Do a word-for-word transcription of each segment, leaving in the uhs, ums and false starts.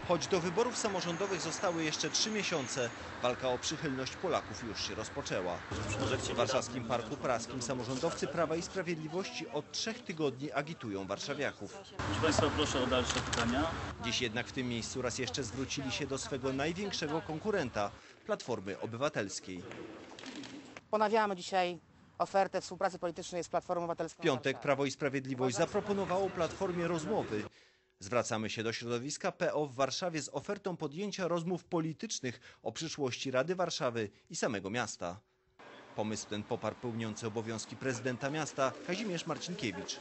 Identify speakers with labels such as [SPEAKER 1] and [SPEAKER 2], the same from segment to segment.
[SPEAKER 1] Choć do wyborów samorządowych zostały jeszcze trzy miesiące, walka o przychylność Polaków już się rozpoczęła. W warszawskim Parku Praskim samorządowcy Prawa i Sprawiedliwości od trzech tygodni agitują warszawiaków.
[SPEAKER 2] Proszę Państwa, proszę o dalsze pytania.
[SPEAKER 1] Dziś jednak w tym miejscu raz jeszcze zwrócili się do swego największego konkurenta, Platformy Obywatelskiej.
[SPEAKER 3] Ponawiamy dzisiaj ofertę współpracy politycznej z Platformą Obywatelską.
[SPEAKER 1] W piątek Prawo i Sprawiedliwość zaproponowało Platformie rozmowy. Zwracamy się do środowiska P O w Warszawie z ofertą podjęcia rozmów politycznych o przyszłości Rady Warszawy i samego miasta. Pomysł ten poparł pełniący obowiązki prezydenta miasta Kazimierz Marcinkiewicz.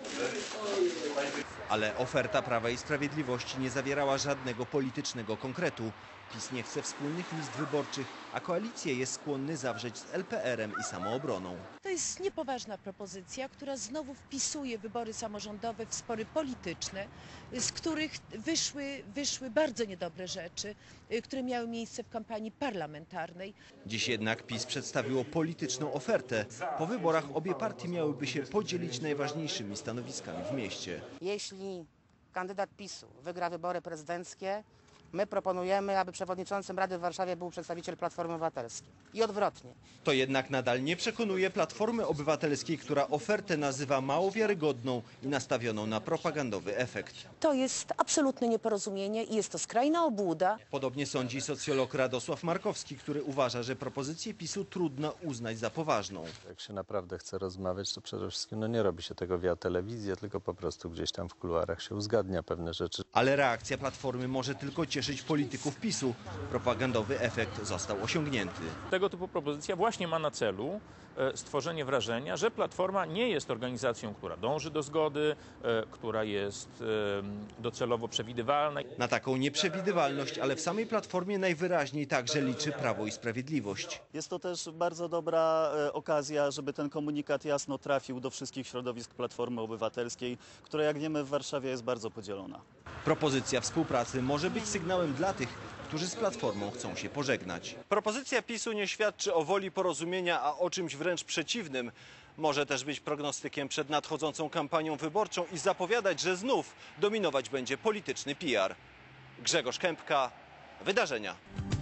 [SPEAKER 1] Ale oferta Prawa i Sprawiedliwości nie zawierała żadnego politycznego konkretu. PiS nie chce wspólnych list wyborczych, a koalicję jest skłonny zawrzeć z L P R-em i Samoobroną.
[SPEAKER 4] To jest niepoważna propozycja, która znowu wpisuje wybory samorządowe w spory polityczne, z których wyszły, wyszły bardzo niedobre rzeczy, które miały miejsce w kampanii parlamentarnej.
[SPEAKER 1] Dziś jednak PiS przedstawiło polityczną ofertę. Po wyborach obie partie miałyby się podzielić najważniejszymi stanowiskami w mieście.
[SPEAKER 3] Jeśli kandydat PiSu wygra wybory prezydenckie, my proponujemy, aby przewodniczącym Rady w Warszawie był przedstawiciel Platformy Obywatelskiej. I odwrotnie.
[SPEAKER 1] To jednak nadal nie przekonuje Platformy Obywatelskiej, która ofertę nazywa mało wiarygodną i nastawioną na propagandowy efekt.
[SPEAKER 4] To jest absolutne nieporozumienie i jest to skrajna obłuda.
[SPEAKER 1] Podobnie sądzi socjolog Radosław Markowski, który uważa, że propozycję PiSu trudno uznać za poważną.
[SPEAKER 5] Jak się naprawdę chce rozmawiać, to przede wszystkim no nie robi się tego via telewizję, tylko po prostu gdzieś tam w kuluarach się uzgadnia pewne rzeczy.
[SPEAKER 1] Ale reakcja Platformy może tylko cieszyć polityków PiSu. Propagandowy efekt został osiągnięty.
[SPEAKER 6] Tego typu propozycja właśnie ma na celu stworzenie wrażenia, że Platforma nie jest organizacją, która dąży do zgody, która jest docelowo przewidywalna.
[SPEAKER 1] Na taką nieprzewidywalność, ale w samej Platformie najwyraźniej także liczy Prawo i Sprawiedliwość.
[SPEAKER 2] Jest to też bardzo dobra okazja, żeby ten komunikat jasno trafił do wszystkich środowisk Platformy Obywatelskiej, która, jak wiemy, w Warszawie jest bardzo podzielona.
[SPEAKER 1] Propozycja współpracy może być sygnałem dla tych, którzy z Platformą chcą się pożegnać. Propozycja PiSu nie świadczy o woli porozumienia, a o czymś wręcz przeciwnym. Może też być prognostykiem przed nadchodzącą kampanią wyborczą i zapowiadać, że znów dominować będzie polityczny P R. Grzegorz Kępka, Wydarzenia.